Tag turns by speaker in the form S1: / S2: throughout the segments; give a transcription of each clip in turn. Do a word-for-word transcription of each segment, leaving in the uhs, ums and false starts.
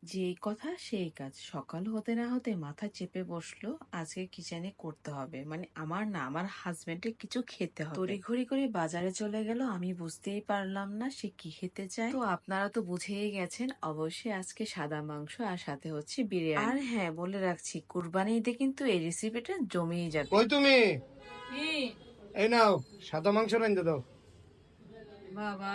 S1: যেই কথা সেই কাজ। সকাল হতে না হতে মাথা চেপে বসলো, আজকে কি জানি করতে হবে। মানে আমার না, আমার হাজবেন্ডের কিছু খেতে হবে। তড়িঘড়ি করে বাজারে চলে গেল, আমি বুঝতেই পারলাম না সে কি খেতে চায়। তো আপনারা তো বুঝেই গেছেন, অবশ্যই আজকে সাদা মাংস আর সাথে হচ্ছে বিরিয়ানি। আর হ্যাঁ, বলে রাখছি, কুরবানি ঈদে কিন্তু এই রেসিপিটা জমেই যাবে।
S2: কই তুমি?
S3: কি
S2: এই নাও, সাদা মাংস রাইন্দা দাও।
S3: বাবা,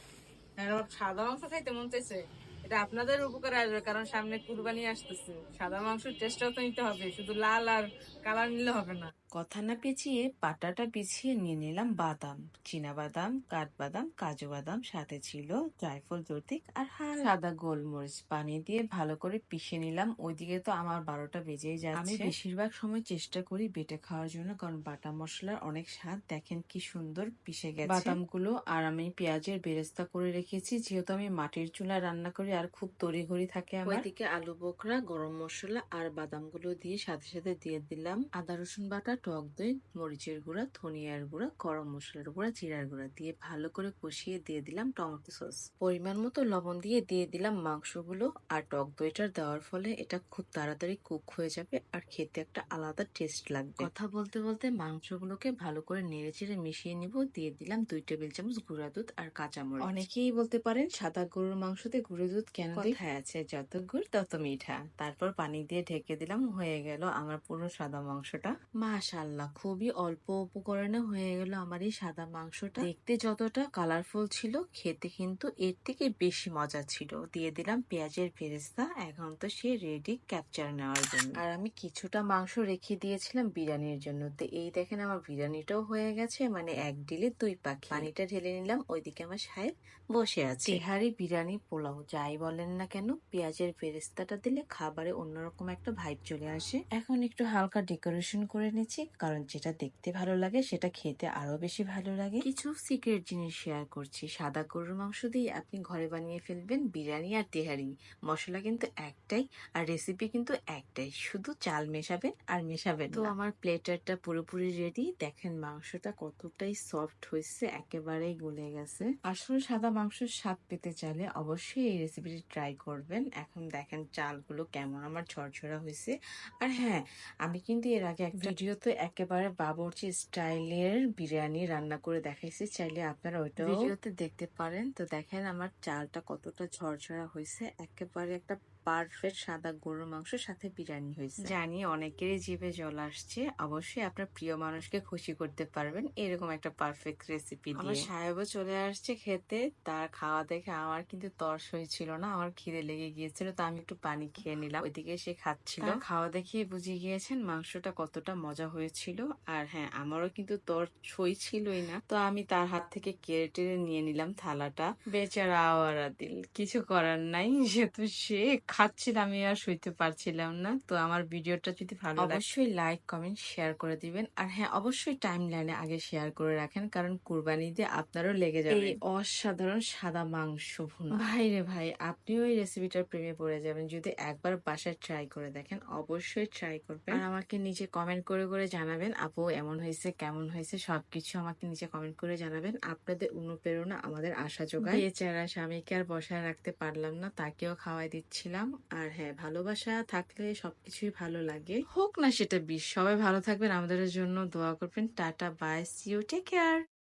S3: এবার সাদা মাংস খাইতে মন চাইছে। এটা আপনাদের উপকারে আসবে, কারণ সামনে কুরবানি আসতেছে। সাদা মাংসের টেস্টটাও তো নিতে হবে, শুধু লাল আর কালার নিলে হবে না।
S1: কথা না পেঁচিয়ে পাটাটা বিছিয়ে নিয়ে নিলাম বাদাম, চীনা বাদাম, কাঠবাদাম, কাজু বাদাম, সাথে ছিল জায়ফল জৈত্রিক আর হালকা সাদা গোলমরিচ। পানি দিয়ে ভালো করে পিষে নিলাম। ওইদিকে তো আমার বারোটা বেজেই যাচ্ছে। আমি বেশিরভাগ সময় চেষ্টা করি বেটে খাওয়ার জন্য, কারণ বাটা মশলার অনেক স্বাদ। দেখেন কি সুন্দর পিষে গেছে বাদামগুলো। আর আমি পেঁয়াজের বেরেস্তা করে রেখেছি, যেহেতু আমি মাটির চুলায় রান্না করি আর খুব তড়িঘড়ি থাকে আমার। ওইদিকে আলু বোখরা, গরম মশলা আর বাদামগুলো দিয়ে সাথে সাথে দিয়ে দিলাম আদা রসুন বাটা, টক দই, মরিচের গুঁড়া, ধনিয়ার গুঁড়া, গরম মশলার গুঁড়া, জিরার গুঁড়া দিয়ে ভালো করে কষিয়ে দিয়ে দিলাম টমেটো সস। পরিমাণ মতো লবণ দিয়ে দিয়ে দিলাম মাংসগুলো। আর টক দইটা দেওয়ার ফলে এটা খুব তাড়াতাড়ি কুক হয়ে যাবে আর খেতে একটা আলাদা টেস্ট লাগবে। কথা বলতে বলতে মাংসগুলোকে ভালো করে নেড়ে চেড়ে মিশিয়ে নিব। দিয়ে দিলাম দুই টেবিল চামচ গুঁড়া দুধ আর কাঁচামরিচ। অনেকেই বলতে পারেন সাদা গরুর মাংসতে গুঁড়ো দুধ কেন দিই? কথায় আছে, যত গুড় তত মিঠা। তারপর পানি দিয়ে ঢেকে দিলাম। হয়ে গেল আমার পুরো সাদা মাংসটা। মাশাআল্লাহ, খুবই অল্প উপকরণে হয়ে গেল আমার এই সাদা মাংসটা। দেখতে যতটা কালারফুল ছিল, খেতে কিন্তু এর থেকে বেশি মজা ছিল। দিয়ে দিলাম পেঁয়াজের বেরেস্তা। এখন তো সে রেডি ক্যাপচার নেওয়ার জন্য। আর আমি কিছুটা মাংস রেখে দিয়েছিলাম বিরিয়ানির জন্য। তো এই দেখেন আমার বিরিয়ানিটাও হয়ে গেছে, মানে এক ডিলে দুই পাখি। পানিটা ঢেলে নিলাম। ওইদিকে আমার সাহেব বসে আছে। তেহারি, বিরিয়ানি, পোলাও যাই বলেন না কেন, পেঁয়াজের বেরেস্তাটা দিলে খাবারে অন্যরকম একটা ভাইব চলে আসে। এখন একটু হালকা ডেকোরেশন করে নিচ্ছি, কারণ যেটা দেখতে ভালো লাগে সেটা খেতে আরো বেশি ভালো লাগে। কিছু সিক্রেট জিনিস শেয়ার করছি। সাদা গরুর মাংস দিয়ে আপনি ঘরে বানিয়ে ফেলবেন বিরিয়ানি আর তেহারি। মশলা কিন্তু একটাই আর রেসিপি কিন্তু একটাই, শুধু চাল মেশাবেন আর মেশাবেন। তো আমার প্লেটারটা পুরোপুরি রেডি। দেখেন মাংসটা কতটাই সফট হয়েছে, একেবারেই গলে গেছে। আসলে সাদা মাংসের স্বাদ পেতে চাইলে অবশ্যই এই রেসিপিটি ট্রাই করবেন। এখন দেখেন চালগুলো কেমন আমার ঝরঝরা হয়েছে। আর হ্যাঁ, আমি কিন্তু এর আগে এক ভিডিওতে একেবারে বাবুর্চি স্টাইলের বিরিয়ানি রান্না করে দেখাইছি, চাইলে আপনারা ওইটাও ভিডিওতে দেখতে পারেন। তো দেখেন আমার চালটা কতটা ঝরঝরা হয়েছে, একেবারে একটা পারফেক্ট সাদা গরুর মাংসের সাথে বিরিয়ানি হয়েছে। জানি অনেকেরই জিভে জল আসছে। অবশ্যই আপনার প্রিয় মানুষকে খুশি করতে পারবেন এরকম একটা পারফেক্ট রেসিপি দিয়ে। আমার সাহেবও চলে আসছে খেতে। তার খাওয়া দেখে আমার কিন্তু তর্স হয়েছিল না, আমার খিদে লেগে গিয়েছিল। তো আমি একটু পানি খেয়ে নিলাম। ওইদিকে সে খাচ্ছিল। তার খাওয়া দেখে বুঝে গিয়েছেন মাংসটা কতটা মজা হয়েছিল। আর হ্যাঁ, আমারও কিন্তু তর্স হয়েছিলই না। তো আমি তার হাত থেকে কেড়ে টেড়ে নিয়ে নিলাম থালাটা। বেচারা আওয়ারা দিল, কিছু করার নাই, যেহেতু সে খাচ্ছিল আমি আর সইতে পারছিলাম না। তো আমার ভিডিওটা যদি ভালো লাগে অবশ্যই লাইক, কমেন্ট, শেয়ার করে দিবেন। আর হ্যাঁ, অবশ্যই টাইম লাইনে আগে শেয়ার করে রাখেন, কারণ কুরবানি দিয়ে আপনারও লেগে যাবে এই অসাধারণ সাদা মাংস ভুনা। ভাই রে ভাই, আপনিও এই রেসিপিটার প্রেমে পড়ে যাবেন যদি একবার বাসায় ট্রাই করে দেখেন। অবশ্যই ট্রাই করবেন আর আমাকে নিচে কমেন্ট করে করে জানাবেন আপু এমন হয়েছে কেমন হয়েছে, সবকিছু আমাকে নিচে কমেন্ট করে জানাবেন। আপনাদের অনুপ্রেরণা আমাদের আশা যোগায়। বেচারা স্বামীকে আর বসায় রাখতে পারলাম না, তাকেও খাওয়াই দিচ্ছিলাম। আর হ্যাঁ, ভালোবাসা থাকলে সবকিছুই ভালো লাগে, হোক না সেটা বিষ। সবাই ভালো থাকবেন, আমাদের জন্য দোয়া করবেন। Tata, bye, see you, take care.